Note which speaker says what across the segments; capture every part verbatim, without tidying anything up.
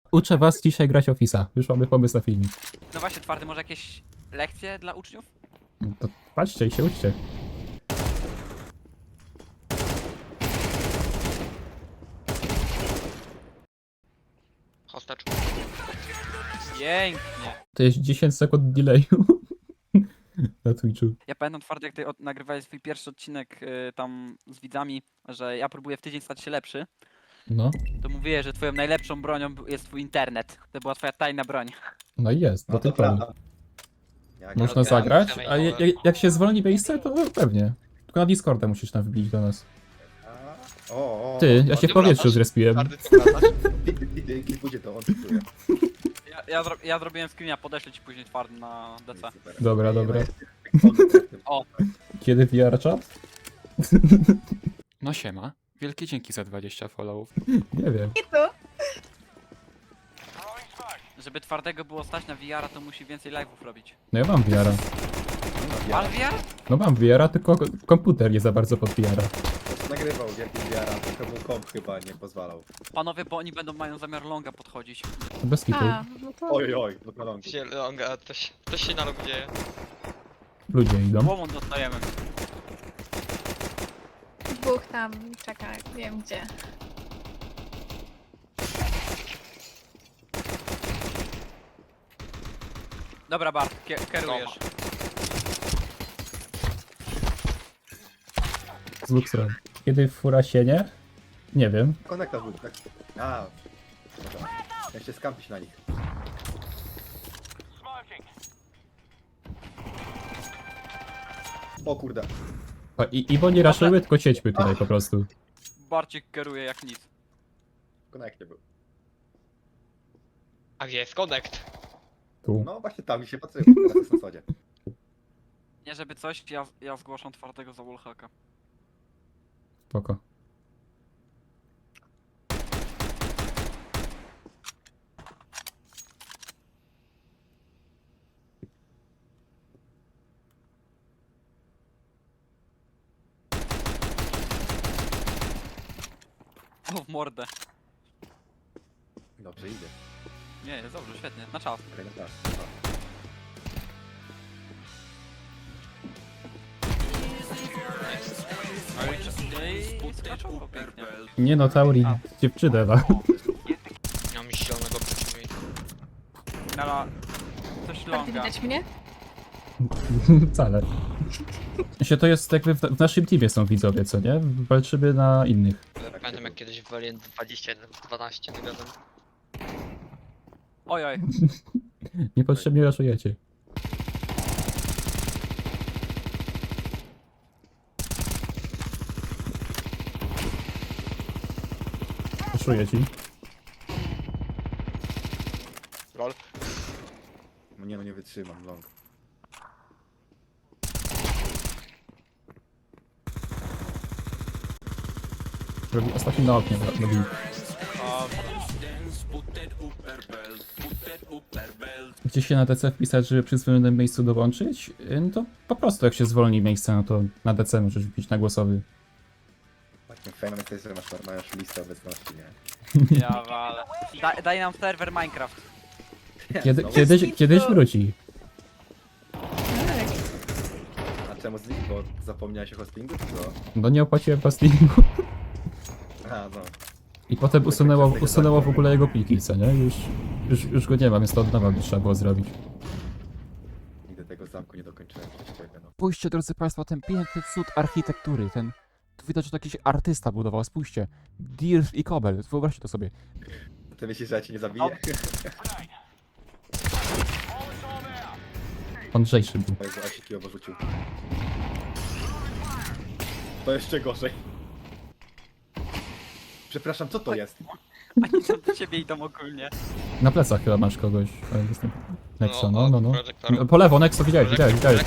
Speaker 1: Uczę was dzisiaj grać Office'a. Już mamy pomysł na filmik.
Speaker 2: No właśnie, Twardy, może jakieś lekcje dla uczniów?
Speaker 1: No to patrzcie i się uczcie.
Speaker 3: Hostacz.
Speaker 2: Pięknie.
Speaker 1: To jest dziesięć sekund delayu na Twitchu.
Speaker 2: Ja pamiętam, Twardy, jak ty od- nagrywałeś swój pierwszy odcinek y, tam z widzami, że ja próbuję w tydzień stać się lepszy,
Speaker 1: No,
Speaker 2: to mówiłeś, że twoją najlepszą bronią był- jest twój internet. To była twoja tajna broń.
Speaker 1: no i jest, do
Speaker 4: No
Speaker 1: tej
Speaker 4: to
Speaker 1: pory.
Speaker 4: prawda. Jak
Speaker 1: Można
Speaker 3: odbieram
Speaker 1: zagrać,
Speaker 3: samej
Speaker 1: a je,
Speaker 3: mowy.
Speaker 1: jak, jak się zwolni miejsce, to pewnie. Tylko na Discorda musisz tam wbić do nas.
Speaker 4: A, O, o,
Speaker 1: Ty,
Speaker 4: o,
Speaker 1: ja się w
Speaker 3: ty
Speaker 1: powietrzu
Speaker 3: wracasz?
Speaker 1: zrespiłem.
Speaker 3: Twardy, ty wracasz?
Speaker 4: Widy, klipujcie to, on klipuje.
Speaker 2: Ja, ja, zro ja zrobiłem screena, podeślę ci później Twardy na D C.
Speaker 4: Super.
Speaker 1: Dobra, dobra.
Speaker 2: O.
Speaker 1: Kiedy V R chat?
Speaker 5: No siema. Wielkie dzięki za dwadzieścia followów.
Speaker 1: Nie wiem.
Speaker 2: Żeby Twardego było stać na V R-a, to musi więcej live'ów robić.
Speaker 1: No ja mam V R-a.
Speaker 2: Ale V R?
Speaker 1: No mam V R-a, tylko komputer nie za bardzo pod V R-a.
Speaker 4: Nagrywał wielki wiara, tylko mu komp chyba nie pozwalał.
Speaker 2: Panowie, bo oni będą mają zamiar longa podchodzić.
Speaker 1: To bez kitu.
Speaker 6: A, no to
Speaker 4: Oj, oj, no kolonki.
Speaker 3: Gdzie longa, to się, to się na longu dzieje.
Speaker 1: Ludzie idą.
Speaker 2: Łomon dostajemy.
Speaker 6: dwóch tam czeka, wiem gdzie.
Speaker 2: Dobra, Bart, kie kierujesz.
Speaker 1: Z Luxrem. Kiedy fura sienie? Nie wiem.
Speaker 4: Konekta był, tak. A, dobra. Ja się skampić na nich. O kurde.
Speaker 1: O, i, I bo nie raszyły, tylko siedźmy tutaj po prostu.
Speaker 2: Barcik kieruje jak nic.
Speaker 4: W konekcie był.
Speaker 3: A gdzie jest connect?
Speaker 1: Tu.
Speaker 4: No właśnie tam mi się patrzyło, teraz jest na sadzie.
Speaker 2: Nie żeby coś, ja, ja zgłaszam Twardego za wallhacka.
Speaker 1: Spoko.
Speaker 2: O, w mordę.
Speaker 4: Dobrze idzie.
Speaker 2: Nie, jest dobrze, świetnie, na czas.
Speaker 4: Okej, no tak.
Speaker 2: No i, no i skaczowo pięknie.
Speaker 1: Nie no, Tauri, dziewczynę ma.
Speaker 3: Nie mam zielonego przeciwnika.
Speaker 2: Nala, coś
Speaker 6: Bardziej
Speaker 2: longa.
Speaker 6: widać mnie?
Speaker 1: Wcale. Się to jest jakby w, w naszym teamie są widzowie, co nie? Walczymy na innych.
Speaker 3: Pamiętam jak kiedyś w Alien dwadzieścia jeden dwanaście nagadam.
Speaker 2: Oj, oj.
Speaker 1: Niepotrzebnie raszujecie. Raszuję ci.
Speaker 3: Lol.
Speaker 4: No nie no, nie wytrzymam, long.
Speaker 1: Robi ostatni na oknie. Robi.
Speaker 2: O,
Speaker 1: Gdzie się na D C wpisać, żeby przy zwolnionym miejscu dołączyć? No to po prostu jak się zwolni miejsce, no to na D C możesz wbić na głosowy.
Speaker 4: Takim fajnym jest, że masz, masz listę obecności, nie?
Speaker 2: ja wale. Da, daj nam serwer Minecraft.
Speaker 1: Kiedy,
Speaker 4: Znowu?
Speaker 1: kiedyś, kiedyś wróci.
Speaker 6: Tak.
Speaker 4: A czemu z nich? Bo zapomniałeś o hostingu, czy co?
Speaker 1: No nie opłaciłem hostingu.
Speaker 4: A, no.
Speaker 1: I potem usunęło, usunęło w ogóle jego pliki, co nie? Już, już, już go nie ma, więc to od nowa by trzeba było zrobić.
Speaker 4: Nigdy tego zamku nie dokończyłem przez ciebie, no.
Speaker 5: Spójrzcie, drodzy Państwo, ten piękny cud architektury, ten... Tu widać, że to jakiś artysta budował, spójrzcie. Dirf i Kobel, wyobraźcie to sobie.
Speaker 4: Ty myślisz, że ja cię nie zabiję?
Speaker 1: Mądrzejszy był.
Speaker 4: Mojego asiki oborzucił. To jeszcze gorzej. Przepraszam, co to jest?
Speaker 2: Oni tam do ciebie idą ogólnie.
Speaker 1: Na plecach chyba masz kogoś. ale jestem- Nexo, no,
Speaker 3: o,
Speaker 1: no, no.
Speaker 3: projektor.
Speaker 1: No, po lewo, Nexo, widziałeś, widziałeś, widziałeś.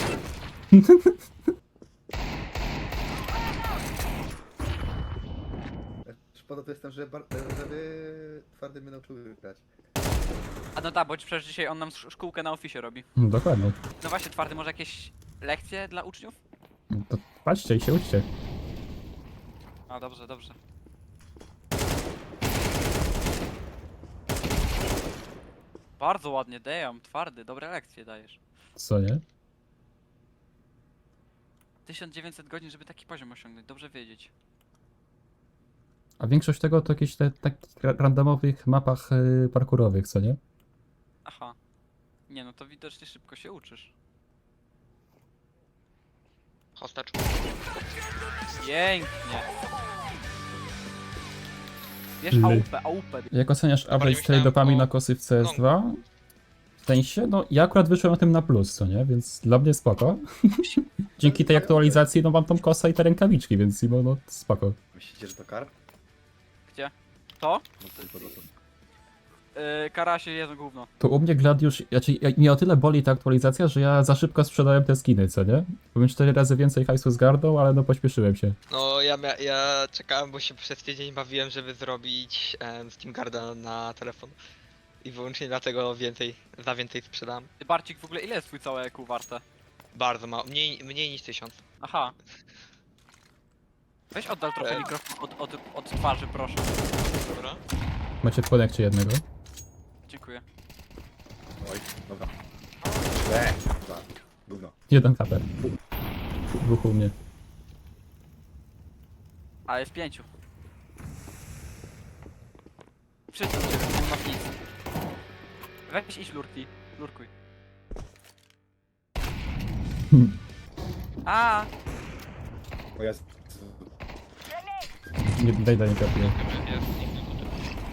Speaker 4: Szkoda to jestem, że bar- żeby twardy mnie nauczył grać.
Speaker 2: A no tak, bo przecież dzisiaj on nam sz- szkółkę na Office robi.
Speaker 1: No, dokładnie.
Speaker 2: No właśnie, Twardy, może jakieś lekcje dla uczniów?
Speaker 1: No to patrzcie i się uczcie.
Speaker 2: A dobrze, dobrze. Bardzo ładnie, damn, twardy, dobre lekcje dajesz.
Speaker 1: Co nie?
Speaker 2: tysiąc dziewięćset godzin, żeby taki poziom osiągnąć, dobrze wiedzieć.
Speaker 1: A większość tego to jakieś te takich ra- randomowych mapach y, parkurowych, co nie?
Speaker 2: Aha. Nie no, to widocznie szybko się uczysz.
Speaker 3: Hostage.
Speaker 2: Pięknie. Wiesz,
Speaker 1: Ly.
Speaker 2: A U P, A U P.
Speaker 1: Jak oceniasz average tej
Speaker 3: myślałem
Speaker 1: dopamina
Speaker 3: o-
Speaker 1: kosy w C S dwa? W sensie, no ja akurat wyszłem na tym na plus, co nie? Więc dla mnie spoko. Dzięki tej aktualizacji no mam tą kosę i te rękawiczki, więc no, no spoko.
Speaker 4: Myślicie, że to karp?
Speaker 2: Gdzie? To?
Speaker 4: No tylko to.
Speaker 2: Yy, karasie jedzą gówno.
Speaker 1: To u mnie Gladiusz, znaczy ja- mnie o tyle boli ta aktualizacja, że ja za szybko sprzedałem te skiny, co nie? Bym cztery razy więcej hajsu zgarnął, ale no pośpieszyłem się.
Speaker 3: No ja, mia- ja czekałem, bo się przez tydzień bawiłem, żeby zrobić em, Steam Garda na telefon. I wyłącznie dlatego więcej, za więcej sprzedałem.
Speaker 2: Ty, Barcik, w ogóle ile jest twój całe E Q warte?
Speaker 3: Bardzo mało, mniej, mniej niż tysiąc.
Speaker 2: Aha. Weź oddal trochę
Speaker 3: Ej.
Speaker 2: mikrofon od, od, od twarzy, proszę.
Speaker 3: Dobra.
Speaker 1: Macie w konekcie jednego?
Speaker 2: Dziękuję.
Speaker 4: Oj, dobra. Eee, dwa. Gówno.
Speaker 1: Jeden H P. Dwóch u mnie.
Speaker 2: A jest pięciu. Wszyscy u ciebie, nie ma nic. Weź iść lurki. Lurkuj. A,
Speaker 4: O jest.
Speaker 1: Nie, daj, daj, nie kapuję.
Speaker 3: Jest inny tutaj.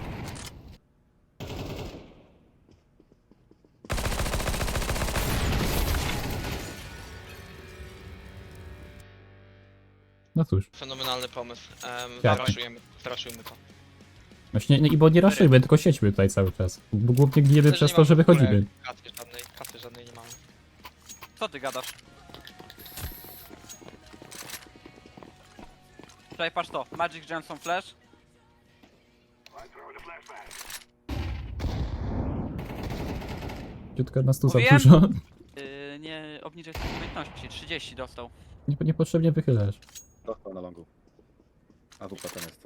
Speaker 1: No cóż.
Speaker 3: Fenomenalny pomysł. Um,
Speaker 1: Jak?
Speaker 3: Zaraszujemy, zaraszujmy to.
Speaker 1: Właśnie, nie, i bo nie raszujmy, tylko siedźmy tutaj cały czas. Bo głównie gniemy
Speaker 3: Też
Speaker 1: przez
Speaker 3: nie
Speaker 1: to,
Speaker 3: mam
Speaker 1: że
Speaker 3: w ogóle
Speaker 1: wychodzimy.
Speaker 3: Kasy żadnej, kasy żadnej nie mamy.
Speaker 2: co ty gadasz? Tutaj patrz to. Magic Johnson Flash.
Speaker 1: Ciutko nas tu za
Speaker 2: Mówiłem?
Speaker 1: dużo.
Speaker 2: Yy, nie obniżaj swojej umiejętności. trzydzieści dostał.
Speaker 1: Nie, niepotrzebnie wychylasz.
Speaker 4: Dostał na longu. A w potem jest.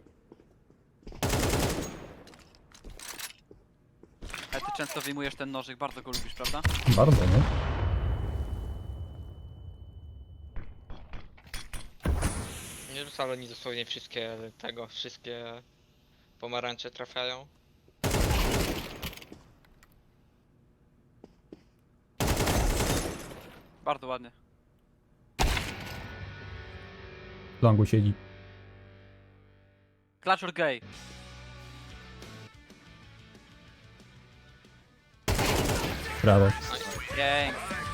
Speaker 2: Ale ty często wyjmujesz ten nożyk, bardzo go lubisz, prawda?
Speaker 1: Bardzo, nie?
Speaker 3: Nie wcale nie dosłownie wszystkie tego, wszystkie pomarańcze trafiają.
Speaker 2: Bardzo ładnie.
Speaker 1: W longu siedzi.
Speaker 2: Clutch or gay.
Speaker 1: Brawo.
Speaker 2: Pięknie.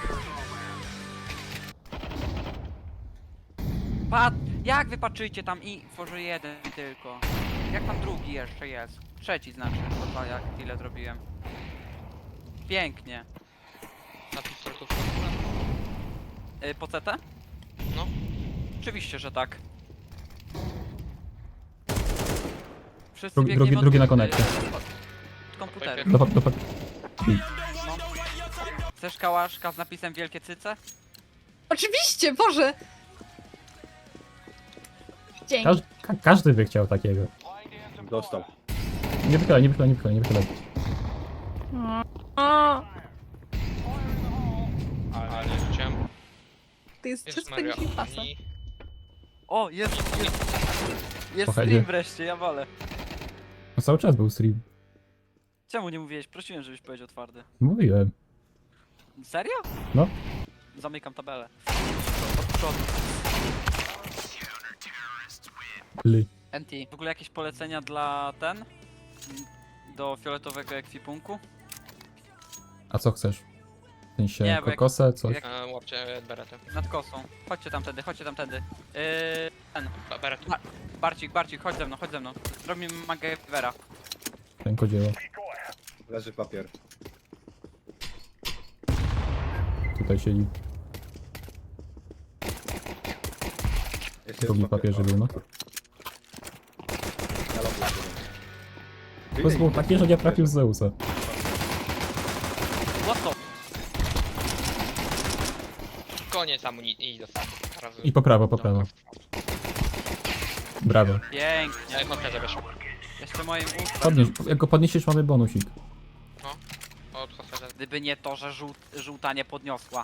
Speaker 2: Pat, jak wy patrzycie tam i tworzy jeden tylko? Jak tam drugi jeszcze jest? Trzeci znaczy, bo dwa jak tyle zrobiłem. Pięknie.
Speaker 3: Na pistoletów
Speaker 2: Yy, po C T?
Speaker 3: No.
Speaker 2: Oczywiście, że tak. Wszyscy
Speaker 1: Drugi-
Speaker 2: biegniemy
Speaker 1: drugi-
Speaker 2: od-
Speaker 1: drugi na
Speaker 2: yy,
Speaker 1: konekcie.
Speaker 2: od- od komputeru.
Speaker 1: Do, do, do,
Speaker 2: No. Chcesz kałaszka z napisem wielkie cyce?
Speaker 6: Oczywiście, Boże! Dzięki.
Speaker 1: każ, ka, każdy by chciał takiego.
Speaker 4: Dostał.
Speaker 1: Nie wychylaj, nie wychylaj, nie wychylaj, nie wychylaj.
Speaker 6: O,
Speaker 3: Ale nie rzuciłem.
Speaker 6: to jest
Speaker 3: Jezus
Speaker 6: wszystko
Speaker 3: Maria,
Speaker 6: niż pasa.
Speaker 3: oni-
Speaker 2: O, jest, jest, jest
Speaker 1: Pochędzie.
Speaker 2: stream wreszcie, ja walę.
Speaker 1: No cały czas był stream.
Speaker 2: Czemu nie mówiłeś? Prosiłem, żebyś powiedział twardy.
Speaker 1: Mówiłem.
Speaker 2: Serio?
Speaker 1: No.
Speaker 2: Zamykam tabelę. Od przodu.
Speaker 1: Ly.
Speaker 2: N T. W ogóle jakieś polecenia dla ten? Mm, Do fioletowego ekwipunku?
Speaker 1: A co chcesz? W sensie
Speaker 2: Nie, bo jak-
Speaker 1: kokosę, coś?
Speaker 2: jak-
Speaker 3: E, łapcie beretę.
Speaker 2: Nad kosą. Chodźcie tamtędy, chodźcie tamtędy. Yy, ten.
Speaker 3: Ba- Beret.
Speaker 2: Barcik, Barcik, chodź ze mną, chodź ze mną. Zrobimy MacGyvera.
Speaker 1: Rękodzieło.
Speaker 4: Leży papier.
Speaker 1: Tutaj siedzi.
Speaker 4: Jeszcze
Speaker 1: Drugi
Speaker 4: jest
Speaker 1: papieży był, no.
Speaker 4: Na longu jest jeden.
Speaker 1: To było takie, że nie trafił z Zeusa.
Speaker 2: What the?
Speaker 3: Koniec amunicji i dostałem. Razy.
Speaker 1: I po prawo, po prawo. Brawo.
Speaker 2: Pięknie.
Speaker 3: Nie, kontrę weszło.
Speaker 2: Jeszcze moim ustem.
Speaker 1: Podnieś, jak go podniesiesz, mamy bonusik.
Speaker 3: Od
Speaker 2: Gdyby nie to, że żółt, żółta nie podniosła.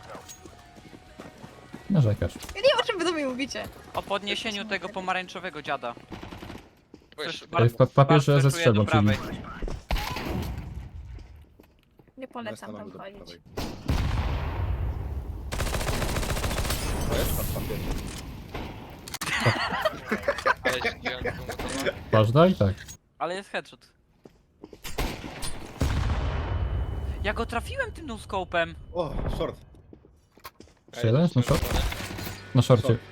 Speaker 1: Narzekasz.
Speaker 6: Ja nie wiem, o czym wy do mnie mówicie.
Speaker 2: O podniesieniu tego pomarańczowego dziada.
Speaker 3: Wiesz,
Speaker 2: Coś
Speaker 1: Ej, w pa- papierze
Speaker 2: bardzo
Speaker 1: ze
Speaker 2: czuję do
Speaker 1: strzelbą, czyli...
Speaker 2: prawej.
Speaker 6: Nie
Speaker 4: No, jest
Speaker 6: polecam
Speaker 4: na
Speaker 6: tam
Speaker 4: longu do
Speaker 6: chodzić.
Speaker 4: prawej. To jest pan papier.
Speaker 3: Ale się wziąłem tego motora.
Speaker 1: Ważna i tak.
Speaker 2: Ale jest headshot. Ja go trafiłem tym no-scopem.
Speaker 4: O, short.
Speaker 1: Jeszcze jeden? Na short? Na szorcie.
Speaker 4: Short.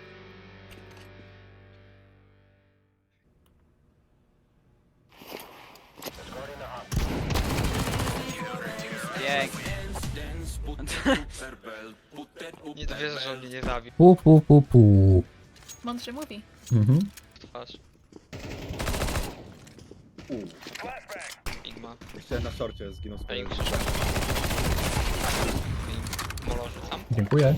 Speaker 2: Pięknie.
Speaker 3: Nie dowierzę, że on mnie nie zabił.
Speaker 1: Pu, pu, pu, pu.
Speaker 6: Mądrze mówi.
Speaker 1: Mhm.
Speaker 3: Twarz.
Speaker 4: Uuu,
Speaker 3: Sigma.
Speaker 4: jeszcze na shorcie zginął z
Speaker 3: A i
Speaker 4: kolei.
Speaker 3: krzyżem. I molo rzucam.
Speaker 1: Dziękuję.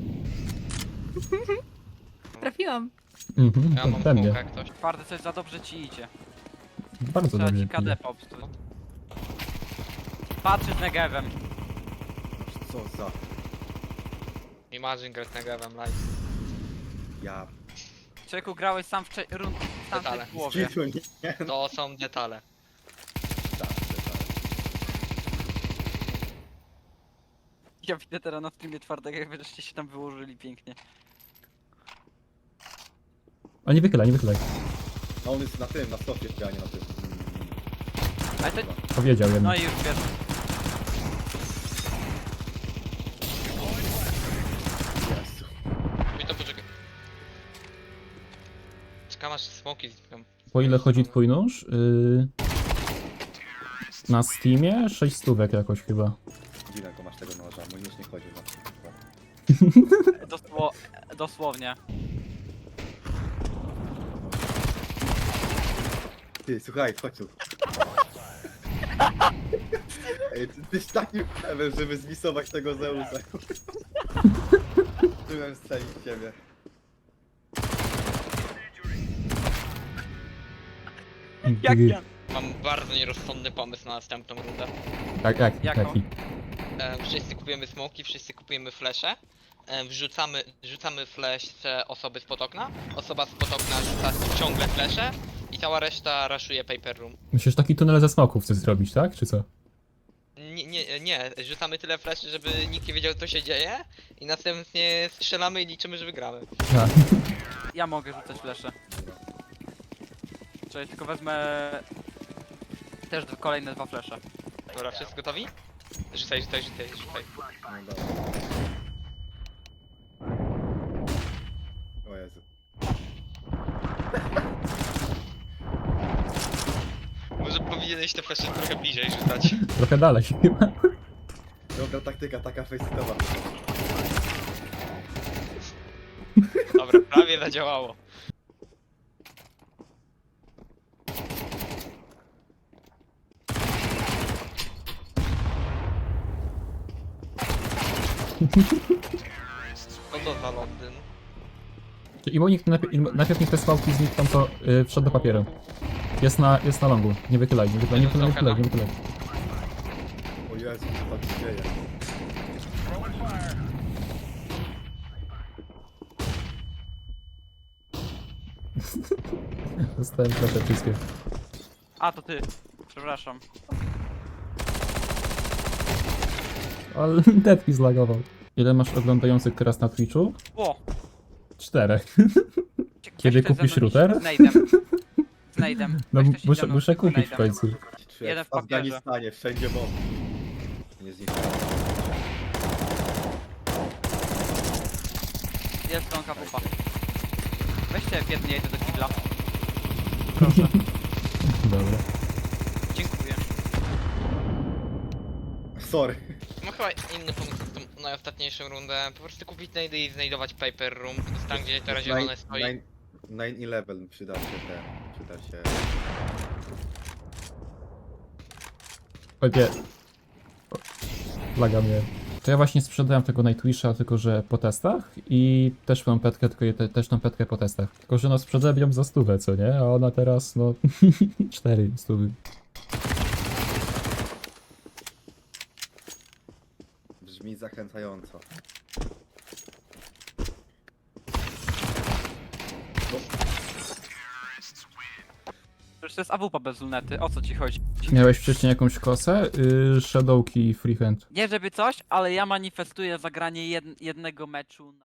Speaker 6: Trafiłam.
Speaker 1: Mhm,
Speaker 3: Ja mam
Speaker 1: pewnie.
Speaker 3: smoka jak ktoś.
Speaker 2: Twardy, coś za dobrze ci idzie.
Speaker 1: Bardzo
Speaker 2: Trzeba
Speaker 1: dobrze.
Speaker 2: ci K D popsuć. Patrzy z negewem.
Speaker 4: Co za...
Speaker 3: Imagine grać na Gavem live.
Speaker 4: Ja...
Speaker 2: Człowieku, grałeś sam w, cze- rund- w tamtej
Speaker 3: Detale.
Speaker 2: połowie.
Speaker 4: Cisło, nie?
Speaker 3: To są detale.
Speaker 4: Tak, tak.
Speaker 2: Ja widzę teraz na streamie twardego, jak żeście się tam wyłożyli pięknie.
Speaker 1: A nie wychylaj, nie wychylaj.
Speaker 4: No on jest na tym, na stopie, a nie na tym.
Speaker 2: Ale to...
Speaker 1: Powiedział
Speaker 2: No
Speaker 1: jednak.
Speaker 2: i już wiesz.
Speaker 4: Jezu.
Speaker 3: Mi to poczekaj. Czekam aż smoki znikną.
Speaker 1: Po ile chodzi twój nóż? Yy... Na Steamie? sześć stówek jakoś chyba.
Speaker 4: Dziwnego masz tego noża, mój nóż nie chodzi na to.
Speaker 2: Dosło... Dosłownie.
Speaker 4: Ty, słuchaj, chodź tu. Ej, ty, tyś takim pewien, żeby zmisować tego Zeusa. Byłem strzelić w ciebie.
Speaker 2: Jak ja?
Speaker 3: Mam bardzo nierozsądny pomysł na następną rundę.
Speaker 1: Tak, tak,
Speaker 2: Jako?
Speaker 1: taki.
Speaker 3: E, wszyscy kupujemy smoki, wszyscy kupujemy flesze. E, wrzucamy, rzucamy flesze osoby spod okna. Osoba spod okna rzuca ciągle flesze. I cała reszta raszuje paper room.
Speaker 1: Myślisz, taki tunel ze smoków chcesz zrobić, tak? Czy co?
Speaker 3: Nie, nie, nie, rzucamy tyle fleszy, żeby nikt nie wiedział co się dzieje. I następnie strzelamy i liczymy, że wygramy.
Speaker 1: A,
Speaker 2: Ja mogę rzucać flesze. Czyli tylko wezmę... Też d- kolejne dwa flesze.
Speaker 3: Dobra, wszyscy gotowi? Rzucaj, rzucaj, rzucaj, rzucaj.
Speaker 4: No dobra. O Jezu.
Speaker 3: Może powinieneś te flesze trochę bliżej rzucać.
Speaker 1: trochę dalej chyba.
Speaker 4: Dobra taktyka, taka faceitowa.
Speaker 3: Dobra, prawie zadziałało. Co to za Londyn?
Speaker 1: I bo nikt najpierw, najpierw niech te skałki znikną, to yy, wszedł do papieru. Jest na, jest na longu. Nie wychylaj, nie wychylaj, nie wychylaj, nie wychylaj, nie wychylaj.
Speaker 4: O Jezu, co tam się dzieje?
Speaker 1: Dostałem proszę wszystkie.
Speaker 2: A, to ty. Przepraszam.
Speaker 1: Ale Deadpi zlagował. Ile masz oglądających teraz na Twitchu?
Speaker 2: O!
Speaker 1: Czterech.
Speaker 2: Weź
Speaker 1: Kiedy
Speaker 2: ten
Speaker 1: kupisz
Speaker 2: ze mną
Speaker 1: router?
Speaker 2: iść Z nade'em. Z nade'em.
Speaker 1: No
Speaker 2: Weź ktoś
Speaker 1: muszę,
Speaker 2: idzie mną
Speaker 1: muszę
Speaker 2: z
Speaker 1: kupić w
Speaker 2: nade'em.
Speaker 1: końcu.
Speaker 4: Czy
Speaker 2: Jeden
Speaker 4: jak
Speaker 2: w
Speaker 4: w
Speaker 2: papierze.
Speaker 4: Afganistanie, wszędzie bomb. Nie zniknął.
Speaker 2: Jest stronka pupa. Weźcie w jednej do kibla. Proszę.
Speaker 1: Dobra.
Speaker 2: Dziękuję.
Speaker 4: Sorry.
Speaker 3: Mam chyba inny pomysł na tą najostatniejszą rundę. Po prostu kupić nade i znajdować paper room. To jest tam, gdzie teraz zielone stoi.
Speaker 4: nine eleven przyda się ten, przyda się...
Speaker 1: Ojej. Laga mnie. To ja właśnie sprzedałem tego Nightwisha, tylko że po testach i też mam petkę, tylko je, te, też tą petkę po testach. Tylko że no sprzedałem ją za stówę, co nie? A ona teraz no cztery stówy.
Speaker 4: Brzmi zachęcająco.
Speaker 2: Przecież to jest A W P bez lunety, o co ci chodzi?
Speaker 1: Miałeś wcześniej jakąś kosę? Yy, Shadowki i freehand.
Speaker 2: Nie żeby coś, ale ja manifestuję zagranie jed jednego meczu.